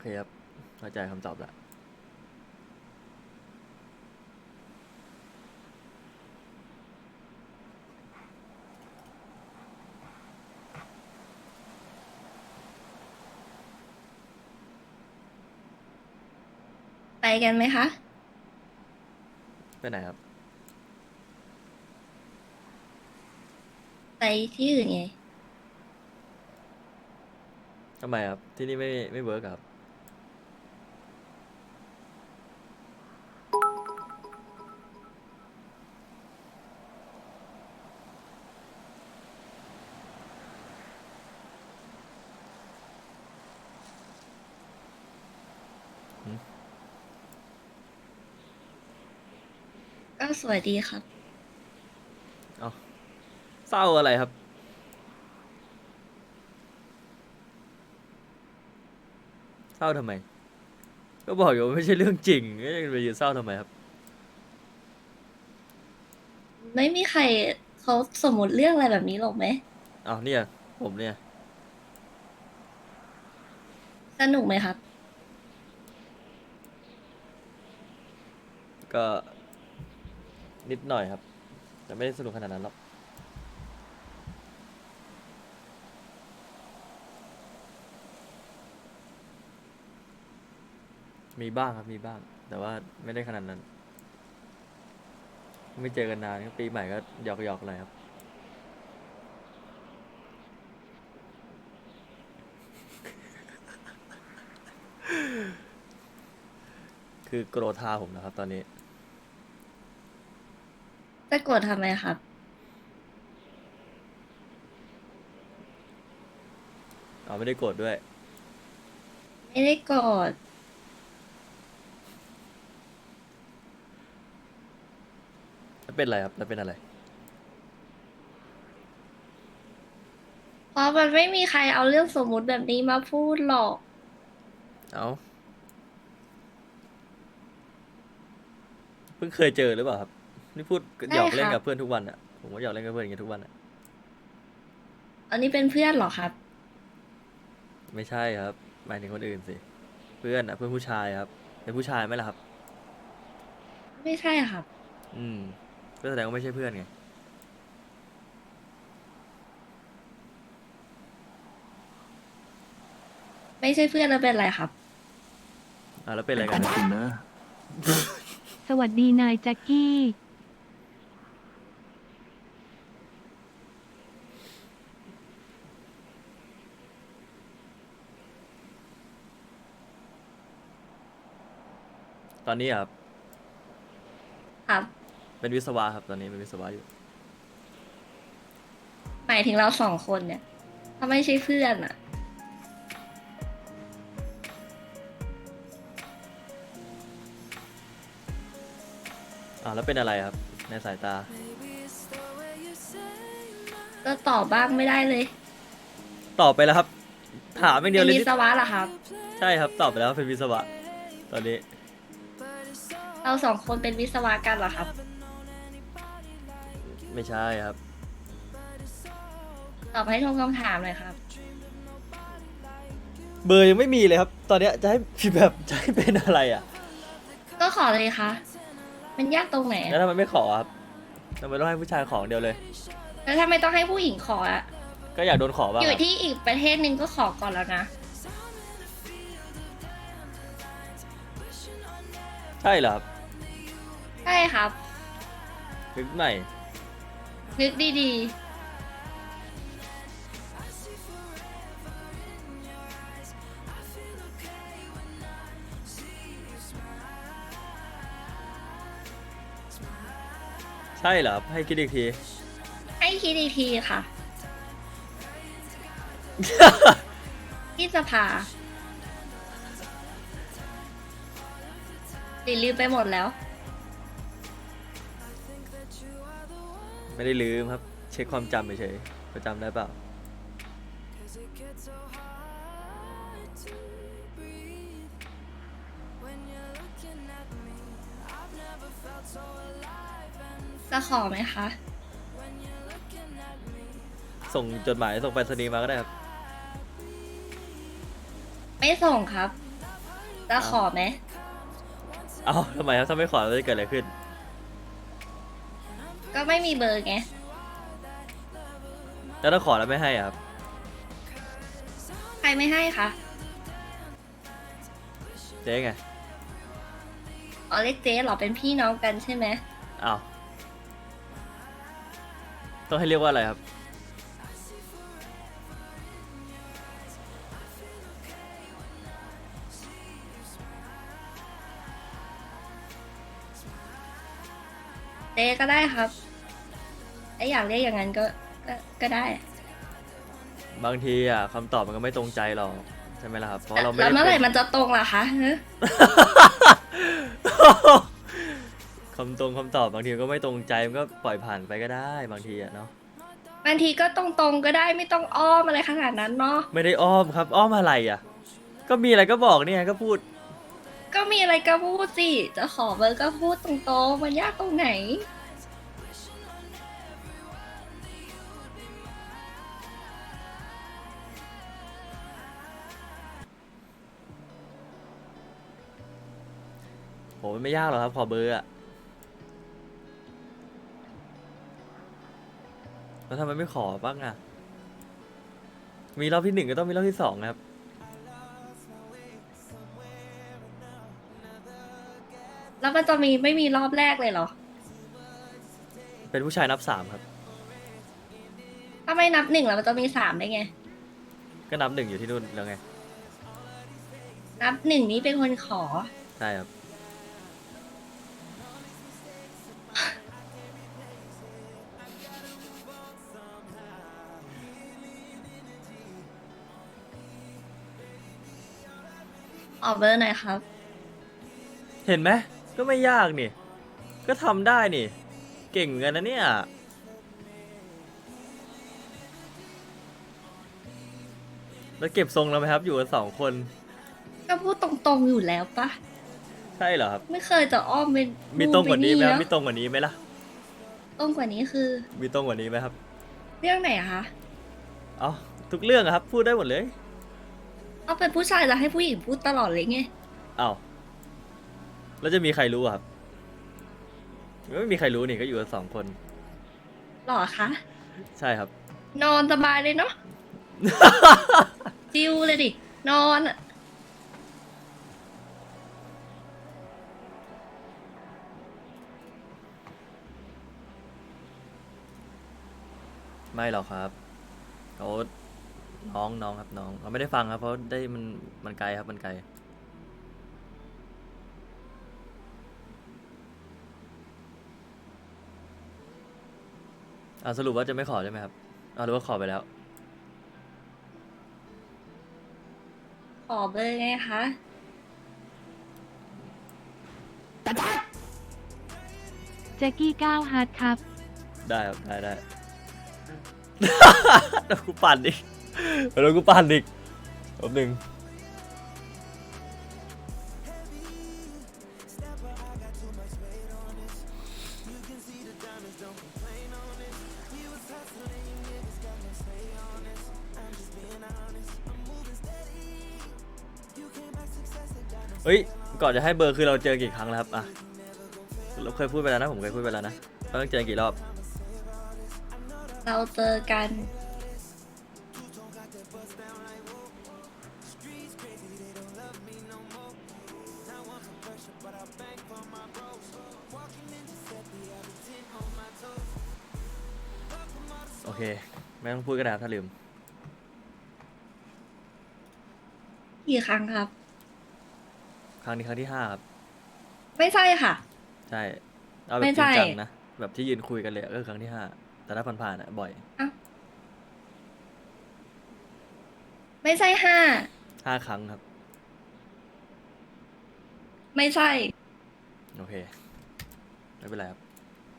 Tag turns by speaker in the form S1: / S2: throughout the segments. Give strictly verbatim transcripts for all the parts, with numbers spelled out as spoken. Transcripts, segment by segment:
S1: ครับเข้าใจคำตอบละ
S2: ไปกันไหมคะ
S1: ไปไหนครับ
S2: ไปที่อื่นไง
S1: ทำไมครับที่นี่ไม่ไม่เวิร์กครับหืม
S2: ก็สวยดีครับ
S1: เอาเศร้าอะไรครับเศร้าทำไมก็บอกอยู่ว่าไม่ใช่เรื่องจริงก็ยังไปยืนเศร้าทำไมครับ
S2: ไม่มีใครเขาสมมติเรื่องอะไรแบบนี้หรอกไหม
S1: เอาเนี่ยผมเนี่ย
S2: สนุกไหมครับ
S1: ก็นิดหน่อยครับแต่ไม่ได้สนุกขนาดนั้นหรอกมีบ้างครับมีบ้างแต่ว่าไม่ได้ขนาดนั้นไม่เจอกันนานก็ปีใหม่ก็หยอกหยอกอะไรครับคือโกรธาผมนะครับตอนนี้
S2: จะโกรธทำไมครับ
S1: เอาไม่ได้โกรธด้วย
S2: ไม่ได้โกรธ
S1: แล้วเป็นอะไรครับแล้วเป็นอะไร
S2: เพราะมันไม่มีใครเอาเรื่องสมมุติแบบนี้มาพูดหรอก
S1: เอาเพิ่งเคยเจอหรือเปล่าครับนี่พูดห
S2: ได้
S1: ยอก
S2: ครับ
S1: เล่นกับเพื่อนทุกวันอ่ะผมก็หยอกเล่นกับเพื่อนอย่างเงี้ยทุกวันอ่ะ
S2: อันนี้เป็นเพื่อนเหรอครับ
S1: ไม่ใช่ครับหมายถึงคนอื่นสิเพื่อนอ่ะเพื่อนผู้ชายครับเป็นผู้ชายไหมล่ะครับ
S2: ไม่ใช่ครับ
S1: อืมก็แสดงว่าไม่ใช่เพื่อนไง
S2: ไม่ใช่เพื่อนแล้วเป็นอะไรครับ
S1: อ่าแล้วเป็นอะไร
S3: แต่
S1: กัน
S3: คุณนะ
S4: สวัสดีนายแจ็คกี้
S1: ตอนนี้อะครับ
S2: ครับ
S1: เป็นวิศวะครับตอนนี้เป็นวิศวะอยู่
S2: หมายถึงเราสองคนเนี่ยถ้าไม่ใช่เพื่อนอ่ะ
S1: อ่าแล้วเป็นอะไรครับในสายตา
S2: ก็ตอบบ้างไม่ได้เลย
S1: ตอบไปแล้วครับถามอย่างเดี
S2: เป็นวิ
S1: ยวเลยนี่
S2: ศวะเหรอครับ
S1: ใช่ครับตอบไปแล้วเป็นวิศวะตอนนี้
S2: เราสองคนเป็นวิศวะกันเหรอครับ
S1: ไม่ใช่ครับ
S2: ตอบให้ตรงคำถามเลยครับ
S1: เบอร์ยังไม่มีเลยครับตอนเนี้ยจะให้พี่แบบจะให้เป็นอะไรอ่ะ
S2: ก็ขอเลยค่ะ มันยากตรงไหน
S1: แล้ว
S2: อะ
S1: ทำไมไม่ขอครับทำไมต้องให้ผู้ชายของเดียวเลย
S2: แล้วถ้าไม่ต้องให้ผู้หญิงขออะ
S1: ก็อยากโดนขอบ้า
S2: อยู่
S1: งครับ
S2: ที่อีกประเทศหนึ่งก็ขอก่อนแล้วนะ
S1: ใช่เหรอครับ
S2: ใช่ครับ
S1: นึกใหม่
S2: นึกดี
S1: ใช่เหรอครับให้คิดอีกที
S2: ๆ ให้คิดอีกทีค่ะ ที่จะพาหรือลืมไปหมดแล้ว
S1: ไม่ได้ลืมครับเช็คความจำเฉยๆประจำได้เปล่า
S2: จะขอไหมคะ
S1: ส่งจดหมายส่งไปรษณีย์มาก็ได้ครับ
S2: ไม่ส่งครับจะขอไหม
S1: เอ้าทำไมครับถ้าไม่ขอจะเกิดอะไรขึ้น
S2: ก็ไม่มีเบอร์ไง
S1: แล้วถ้าขอแล้วไม่ให้อะครับ
S2: ใครไม่ให้คะ
S1: เจ๊ไง
S2: อ๋อเรียกเจ๊เหรอเป็นพี่น้องกันใช่ไหม
S1: อ้าวต้องให้เรียกว่าอะไรครับ
S2: เจ๊ก็ได้ครับไออยากเรียกอย่างนั้นก็ก็ก็ได้
S1: บางทีอ่ะคำตอบมันก็ไม่ตรงใจหรอกใช่ไหมล่ะครับเพราะเราไม่
S2: แล้ว
S1: ได้
S2: เมื่อไหร่
S1: เป็น
S2: มันจะตรงล่ะคะฮะ
S1: คำตรงคำตอบบางทีก็ไม่ตรงใจมันก็ปล่อยผ่านไปก็ได้บางทีอ่ะเนาะ
S2: บางทีก็ตรงๆก็ได้ไม่ต้องอ้อมอะไรขนาดนั้นเนาะ
S1: ไม่ได้อ้อมครับอ้อมอะไรอ่ะ ก็มีอะไรก็บอกเนี่ยก็พูด
S2: ก็มีอะไรก็พูดสิจะขอเบอร์ก็พูดตรงๆมันยากตรงไหน
S1: โหมันไม่ยากหรอกครับขอเบอร์อ่ะแล้วทำไมไม่ขอบ้างอ่ะมีรอบที่หนึ่งก็ต้องมีรอบที่สองนะครับ
S2: แล้วมันจะมีไม่มีรอบแรกเลยเหรอ
S1: เป็นผู้ชายนับสามครับ
S2: ถ้าไม่นับหนึ่งแล้วมันจะมีสามได้ไง
S1: ก็นับหนึ่งอยู่ที่นู่นแล้วไง
S2: นับหนึ่งนี้เป็นคนขอ
S1: ใช่ครับ
S2: ออกเบอร์หน่อยครับ
S1: เห็นไหมก็ไม่ยากนี่ ก็ทำได้นี่ เก่งเหมือนกันนะเนี่ยแล้วเก็บทรงแล้วไหมครับ อยู่กันสองคน
S2: ก็พูดตรงๆอยู่แล้วปะ
S1: ใช่เหรอครับ
S2: ไม่เคยจะอ้อมเป็น
S1: มีตรงกว่านี้ไหมครับ
S2: เอะ
S1: มีตรงกว่านี้ไหมล่ะ
S2: ตรงกว่านี้คือ
S1: มีตรงกว่านี้ไหมครับ
S2: เรื่องไหนอะคะ
S1: เอ๋อทุกเรื่องอะครับ พูดได้หมดเลย
S2: เอาเป็นผู้ชายจะให้ผู้หญิงพูดตลอดเลยไง
S1: เอ้าแล้วจะมีใครรู้อะครับไม่มีใครรู้นี่ก็อยู่กันสองคน
S2: หรอคะ
S1: ใช่ครับ
S2: นอนสบายเลยเนาะ จิวเลยดิ นอนอะ
S1: ไม่หรอกครับเขาน้องน้องครับน้องเขาไม่ได้ฟังครับ เพราะได้มันมันไกลครับมันไกลอ่าสรุปว่าจะไม่ขอใช่ไหมครับอ่าหรือว่าขอไปแล้ว
S2: ขอเบอร์ไงคะ
S4: แจ็กกี้ก้าวฮาร์ดครับ
S1: ได้ครับได้ได้ เดี๋ยวกูปั่นอีกเดี๋ยวกูปั่นอีกแป๊บหนึงเฮ้ยก่อนจะให้เบอร์คือเราเจอกี่ครั้งแล้วครับอ่ะเราเคยพูดไปแล้วนะผมเคยพูดไปแล้วนะเราต้องเจอกี่รอบ
S2: เราเจอกัน
S1: โอเคไม่ต้องพูดก็ได้ครับถ้าลืม
S2: กี่ครั้งครับ
S1: ครั้งนี้ครั้งที่ห้าครับ
S2: ไม่ใช่ค่ะ
S1: ใช่เอาแบ
S2: ไม่
S1: บจ
S2: ใช่
S1: ริงจังนะแบบที่ยืนคุยกันเลยอะก็คือครั้งที่ห้าแต่ถ้าผ่านๆอ่ะบ่อย
S2: ไม่ใช่ห้า
S1: ห้าครั้งครับ
S2: ไม่ใช่
S1: โอเคไม่เป็นไรครับ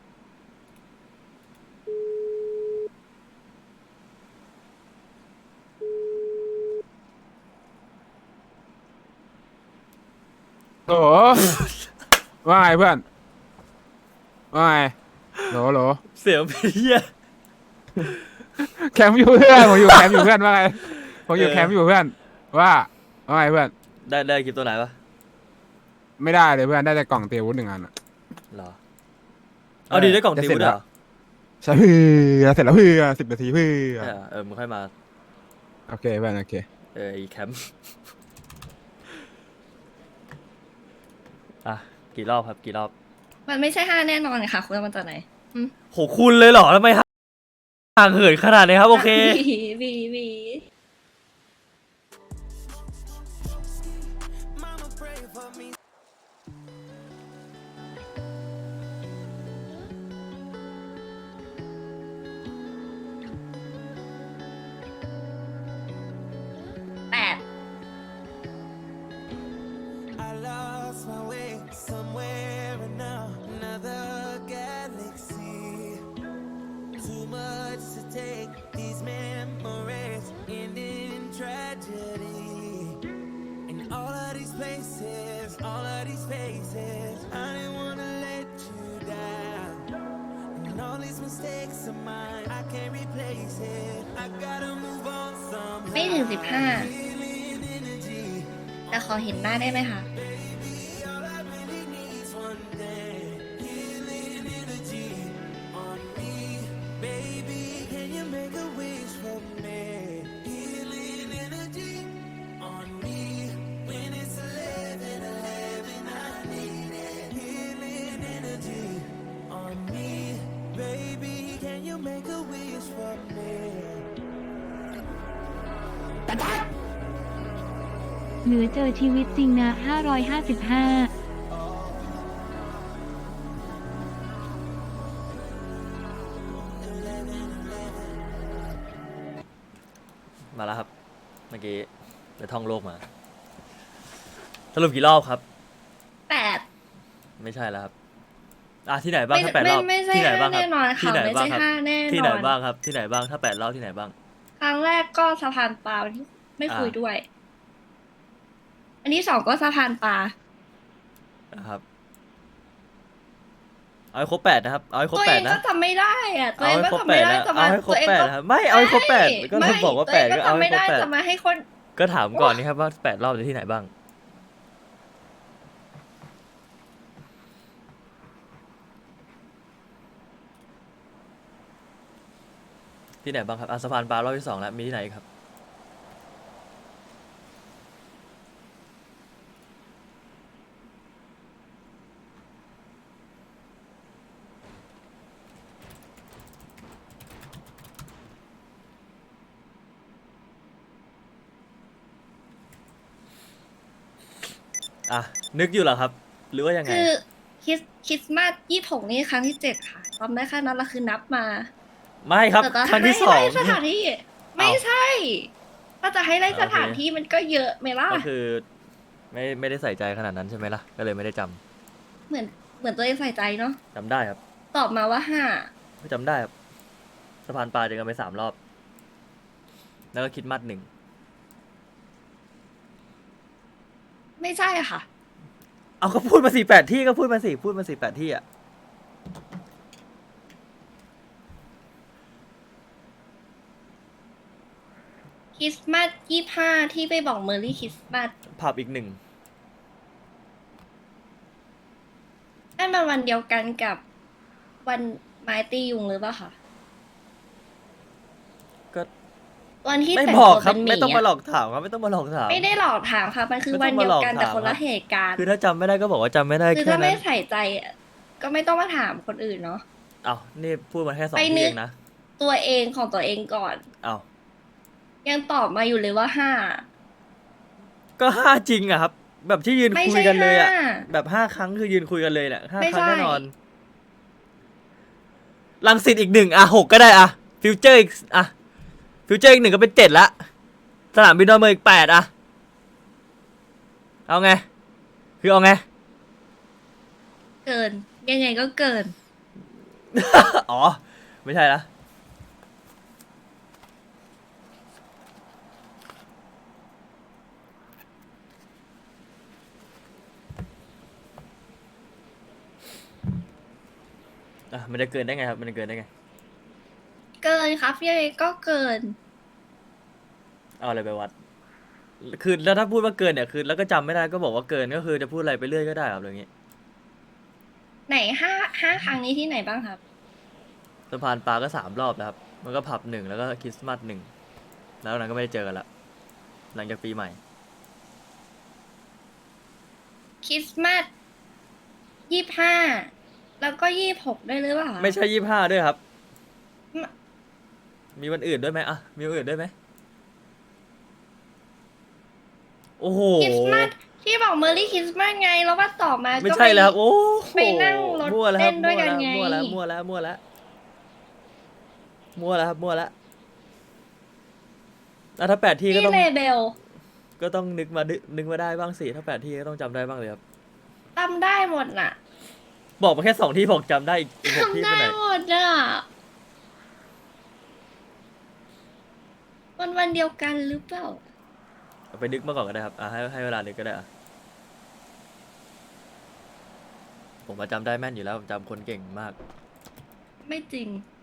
S3: โหล ว่าไงเพื่อน ว่าไงโหลโหล
S1: เสียงเป็นเหี้ย
S3: แคมป์อยู่เพื่อนผมอยู่แคมป์อยู่เพื่อนว่าไงผมอยู่
S1: เออ
S3: แคมป์อยู่เพื่อนว่าว่าไงเพื่อน
S1: ได้ได้คลิปตัวไหนปะ
S3: ไม่ได้เลยเพื่อนได้แต่กล่องเตรียมอาวุธหนึ่งอันอะ
S1: เหรอเอาดีได้กล่อง
S3: จะ
S1: ติ
S3: เสร็
S1: ว
S3: จ
S1: ด้วย
S3: แล้ว
S1: เหรอ
S3: ใช่เพื่อนเสร็จแล้วเพื่อนสิบนาทีเพื่อน
S1: ใช่เหรอเออมึงค่อยมา
S3: โอเคเพื่อนโอเค
S1: เออไอีแคมป์ อ่ะกี่รอบครับกี่รอบ
S2: มันไม่ใช่ห้าแน่นอนค่ะคุณเอามาจากไหนอืม
S1: โหคุณเลยเหรอทำไมห่างเหินขนาดนี้ครับโอเค
S2: บีบีบี แปด
S5: I lost my way somewhere in another galaxy. Too much to take, these memories end in tragedy. In all of these places, all of these faces, I didn't wanna let you down. And all these mistakes of mine, I can't replace it. I gotta move on
S2: ไม่ถึง
S5: somehow.
S2: สิบห้า แต่ขอเห็นหน้าได้ไหมคะ
S5: All I really need's one day. Healing energy on me. Baby, can you make a wish for me? Healing energy on me. When it's eleven eleven, I need it. Healing energy on me. Baby, can you make a wish for me?
S4: เหนือเจอชีวิตจริงนะห้าร้อยห้าสิบห้า
S1: มาแล้วครับเมื่อกี้ไปท่องโลกมา สรุปกี่รอบครับ
S2: แปด
S1: ไม่ใช่แล้วครับอ่ะที่ไหนบ้าง
S2: ไม่
S1: ถ้าแปดร
S2: ไม่
S1: อบ
S2: ไม่ใช่
S1: ที่ไหน
S2: ห้า
S1: บ้างครั
S2: แน่นอน
S1: ที่
S2: ค่ะ
S1: ไหน
S2: ไม่
S1: บ้า
S2: ใช่
S1: งครับ
S2: ห้าแน่นอน
S1: ที่ไหนบ้างครับที่ไหนบ้างถ้าแปดรอบที่ไหนบ้าง
S2: ครั้งแรกก็สะพานปลาที่ไม่คุย
S1: อ่า
S2: ด้วย อันที่สองก็สะพานปลา
S1: นะครับเอาให้ครบแปดนะครับเอาให้ครบ
S2: ตัว
S1: แป
S2: เอ
S1: ด
S2: ง
S1: นะ
S2: ก็จำไม่ได้อะตัว
S1: เอา
S2: เอง
S1: ให้
S2: ก็
S1: ครบ
S2: จำ
S1: แป
S2: ไม่
S1: ด
S2: ได้
S1: นะ
S2: จะ
S1: เอา
S2: มา
S1: ให้ครบ
S2: ตัวเอง
S1: แปด
S2: ก็
S1: นะครับไม่เอาให้ครบแปดก็
S2: ไม่
S1: ต้องบอกว่า
S2: ตัว
S1: แป
S2: เอ
S1: ด
S2: งก็
S1: ก็เอา
S2: จำ
S1: ให้
S2: ไม่
S1: ครบ
S2: ได้
S1: แปด
S2: จะมาให้คน
S1: ก็ถามก่อนนี่ครับว่าแปดรอบจะที่ไหนบ้างที่ไหนบ้างครับอ่ะสะพานปลารอบที่สองแล้วมีที่ไหนอีกครับ อ่ะนึกอยู่เหรอครับ หรือว่ายังไง
S2: คือคริสคริสต์มาสยี่หกนี่ครั้งที่เจ็ดค่ะจำได้แค่นั้นละคือนับมา
S1: ไม่ครับ
S2: แต่ก็
S1: ครั้งที่
S2: ให้
S1: สอง
S2: ไล่สถานที่ ไม่ใช่ ถ้าจะให้ไล่
S1: อ่า
S2: สถานที่มันก็เยอะไหมล่ะ
S1: ก็คือ ไม่ไม่ได้ใส่ใจขนาดนั้นใช่ไหมล่ะก็เลยไม่ได้จำ
S2: เหมือนเหมือนตัวเองใส่ใจเนาะ
S1: จำได้ครับ
S2: ตอบมาว่าห้า
S1: จำได้ครับสะพานปลาเจอกันไปสามรอบ แล้วก็คิดมัดหนึ่ง
S2: ไม่ใช่ค่ะ
S1: เอาก็พูดมาสี่แปดที่ก็พูดมาสี่พูดมาสี่แปดที่อ่ะ
S2: คริสต์มาสยี่ห้าที่ไปบอกเมอร์รี่คริสต์มาส
S1: ผับอีกหนึ่ง
S2: นั่นมันวันเดียวกันกับวันไม้ตียุงหรือเปล่าคะ
S1: ก็
S2: วันที่
S1: ไม่
S2: แต่ง
S1: บอก
S2: ตัว
S1: ครับ
S2: เป็นหมี
S1: ไม่ต้องมาหล
S2: อะ
S1: อกถามครับไม่ต้องมาหลอกถาม
S2: ไม่ได้หลอกถามค่ะ มันคือ
S1: ไม่
S2: วั
S1: ต้
S2: น
S1: องมา
S2: เดียวกัน
S1: หลอก
S2: แต่
S1: ถาม
S2: คนละ
S1: ครับ
S2: เหตุการณ์
S1: คือถ้าจำไม่ได้ก็บอกว่าจำไม่ได้
S2: คือ
S1: แค่
S2: ถ้าไม่
S1: นั้น
S2: ใส่ใจอะก็ไม่ต้องมาถามคนอื่นเนาะ
S1: อ้าวนี่พูดมาแค่สอง
S2: ไป
S1: ที่
S2: นึ
S1: เอก งนะ
S2: ตัวเองของตัวเองก่อน
S1: อ้าว
S2: ยังตอบมาอยู่เลยว่าห้า
S1: ก็ห้าจริงอะครับ แบบที่ยืน
S2: ไม่
S1: คุ
S2: ใช่
S1: ยกันเลยอะ
S2: ห้า
S1: แบบห้าครั้งคือยืนคุยกันเลยแหละห้า
S2: ไม่
S1: ครั้ง
S2: ใช่
S1: แน่นอนลังสิตอีกหนึ่งอะหกก็ได้อะฟิวเจอร์อีกอะฟิวเจอร์อีกหนึ่งก็เป็นเจ็ดละสนามบินดอนเมืองอีกแปดอะเอาไง คือเอาไง
S2: เกิน ยังไงก็เกิน
S1: อ๋อ ไม่ใช่ละอ่ะมันจะเกินได้ไงครับ มันจะเกินได้ไง
S2: เกินครับยังไงก็เกิน
S1: เอาอะไรไปวัดคือแล้วถ้าพูดว่าเกินเนี่ยคือแล้วก็จำไม่ได้ก็บอกว่าเกินก็คือจะพูดอะไรไปเรื่อยก็ได้ครับอย่างงี้
S2: ไหนห้าห้าครั้งนี้ที่ไหนบ้างครับ
S1: สะพานปลาก็สามรอบแล้วครับมันก็ผับหนึ่งแล้วก็คริสต์มาสหนึ่งแล้วนั้นก็ไม่ได้เจอกันละหลังจากปีใหม่
S2: คริสต์มาสยี่ห้าแล้วก็ยี่หกด้วยหรือเปล่าคะ
S1: ไม่ใช่ยี่ห้าด้วยครับ
S2: ไม่
S1: มีวันอื่นด้วยไหมอะมีวันอื่นด้วยไหมโอ้โห
S2: คริสต์มาสที่บอกเมอร์รี่คริสต์มาสไงแล้วว่าต่อมา
S1: ไม่
S2: ก็
S1: ใช่
S2: ไป
S1: แล้วครับโอ้โห
S2: ไปนั่งรถ
S1: มั่วแล้วครับ
S2: เล่นด้วยกันไง
S1: มั่วแล้วมั่วแล้วมั่วแล้วมั่วแล้วมั่วแล้วครับมั่วแล้วอ่ะถ้าแปดที่ก็
S2: ที่
S1: ต้อง
S2: เลเบล
S1: ก็ต้องนึกมานึกนึกมาได้บ้างสิถ้าแปดที่ก็ต้องจำได้บ้างเลยครับ
S2: จำได้หมดน่ะ
S1: บอกมาแค่สองที่บอกจำได้อีกอีกหกที่
S2: จำ
S1: ไป
S2: ได้
S1: ไหน
S2: หมดอ่ะวันวันเดียวกันหรือเปล่า
S1: เอาไปนึกมาก่อนก็ได้ครับอ่ะให้ให้เวลานึกก็ได้อ่ะผมมาจำได้แม่นอยู่แล้วผมจำคนเก่งมาก
S2: ไม่จริง